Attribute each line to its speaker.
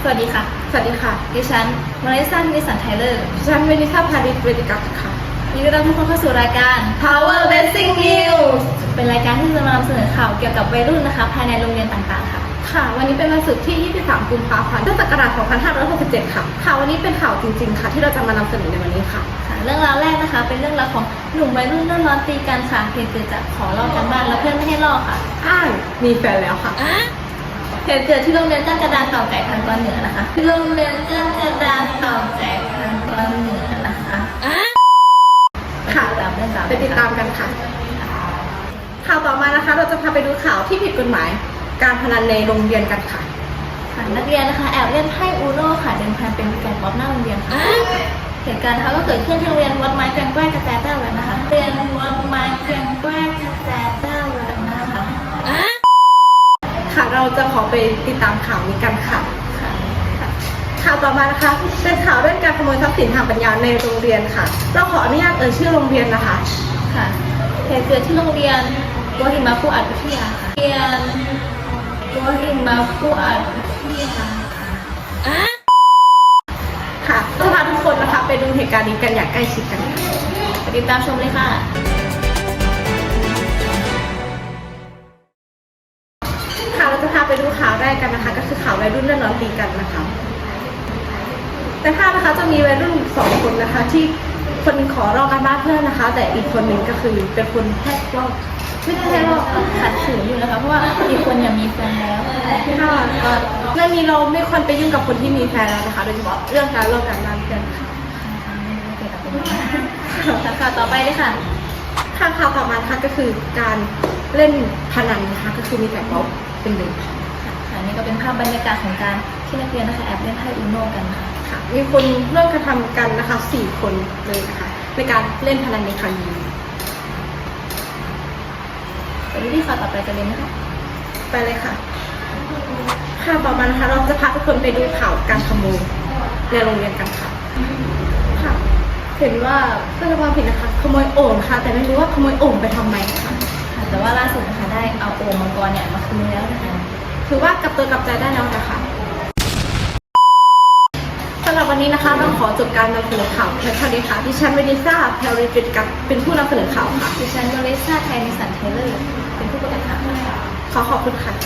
Speaker 1: สวัสดีค่ะ
Speaker 2: สวัสดีค่ะ
Speaker 1: ดิฉันมาริซ่านิสสันไทเลอร์
Speaker 2: ดิฉันเวนิซ่าพาริสเวติกัสค่ะ
Speaker 1: ยินดีต้อนรับทุกคนเข้าสู่รายการ
Speaker 2: Power Basic News
Speaker 1: เป็นรายการที่จะมานำเสนอข่าวเกี่ยวกับวัยรุ่นนะคะภายในโรงเรียนต่างๆค่ะ
Speaker 2: ค่ะวันนี้เป็นวันศุกร์ที่ 23 กุมภาพันธ์พุทธศักราช 2567 ค่ะค่ะวันนี้เป็นข่าวจริงๆค่ะที่เราจะมานำเสนอในวันนี้ค่ะ
Speaker 1: เรื่องราวแรกนะคะเป็นเรื่องราวของหนุ่มวัยรุ่นเริ่มร้อนตีกันค่ะเหตุเกิดจากขอลอกกันบ้านแล้วเพื่อนไม่ให้ลอกค่ะ
Speaker 2: อ้างมีแฟนแล้วค่ะ
Speaker 1: เหตุเกิดที่โรงเรียนก้านกระดานเต่าไก่พันตอนเหนือนะคะโรงเรียนก้านกระดานเต่าไก่พันตอนเหนือนะคะ
Speaker 2: ค่ะไปติดตามกันค่ะข่าวต่อมานะคะเราจะพาไปดูข่าวที่ผิดกฎหมายการพนันในโรงเรียนกันค่ะ
Speaker 1: นักเรียนนะคะแอบเล่นไพ่อูโน่ค่ะเดินพันเป็นแกงป๊อปหน้าโรงเรียนค่ะเหตุการณ์นะคะก็เกิดขึ้นที่โรงเรียนวัดไม้แกงแกล้กระแตแต้วเลยนะคะเรียนวัดไม้แกงแกล้กระแตแต้วเลยนะคะ
Speaker 2: ค่ะเราจะขอไปติดตามข่าวนี้กันค่ะข่าวต่อมานะคะเป็นข่าวเรื่องการขโมยทรัพย์สินทางปัญญาในโรงเรียนค่ะเราขออนุญาตชื่อโรงเรียนนะคะ
Speaker 1: ค่ะเหตุเกิดที่โรงเรียนกัวหิมะผู้อัดวิทยาค่ะเรียนกัวหิมะผู้อัดวิทยา
Speaker 2: ค่ะจะพาทุกคนนะคะไปดูเหตุการณ์นี้กันอย่างใกล้ชิดกัน
Speaker 1: ไปติดตามชมเลยค่ะ
Speaker 2: เราจะพาไปดูข่าวแรกกันนะคะก็คือข่าววัยรุ่นเล่นร้อนตีกันนะคะในภาพนะคะจะมีวัยรุ่น2 คนนะคะที่คนขอรอการบ้านเพื่อนนะคะแต่อีกคนหนึ่งก็คือเป็นคนแทกลอก
Speaker 1: ไม่ใช่หรอกขัดขืนอยู่นะคะเพราะว่าอีกคนยังมีแฟนแล้ว
Speaker 2: ค่ะเรื่องนี้เราไม่ควรไปยุ่งกับคนที่มีแฟนแล้วนะคะโดยเฉพาะเรื่องการรอการบ้านเพื่อนค่ะ
Speaker 1: ข่าวต่อไปเลยค่ะ
Speaker 2: ข่าวต่อมาค่ะก็คือการเล่นพนันนะคะก็คือมีแต่ป๊อปเป็นหนึ่ง
Speaker 1: ค่ะนี่ก็เป็นภาพบรรยากาศของการที่นักเรียนนะคะแอบเล่นไพ่อูโน่กัน
Speaker 2: ค่ะมีคนร่วมกระทำกันนะคะ4 คนเลยนะคะในการเล่นพนันในครั้งนี้
Speaker 1: ไปดูที่ข่าวต่อไปกันเลยนะคะ
Speaker 2: ไปเลยค่ะข่าวต่อมานะคะเราจะพาทุกคนไปดูข่าวการขโมยในโรงเรียนกันค่ะเห็นว่าเพื่อนความผิดนะคะขโมยโอ่งค่ะแต่ไม่รู้ว่าขโมยโอ่งไปทำไมค่ะ
Speaker 1: แต่ว่าล่าสุดนะคะได้เอาโอ่งมังกรเนี่ยมาคืนแล้วนะคะ
Speaker 2: ถือว่ากลับตัวกลับใจได้แล้วนะคะสำหรับวันนี้นะคะต้องขอจบการนำเสนอข่าวเพียงเท่านี้ค่ะดิฉันเวนิซ่าแพลริฟิตกับเป็นผู้นำเสนอข่าวค่ะ
Speaker 1: ดิฉันมาริซ่าไทนิสันไทเลอร์เป็นผู้ประกาศข่าวค่ะ
Speaker 2: ขอบคุณค่ะ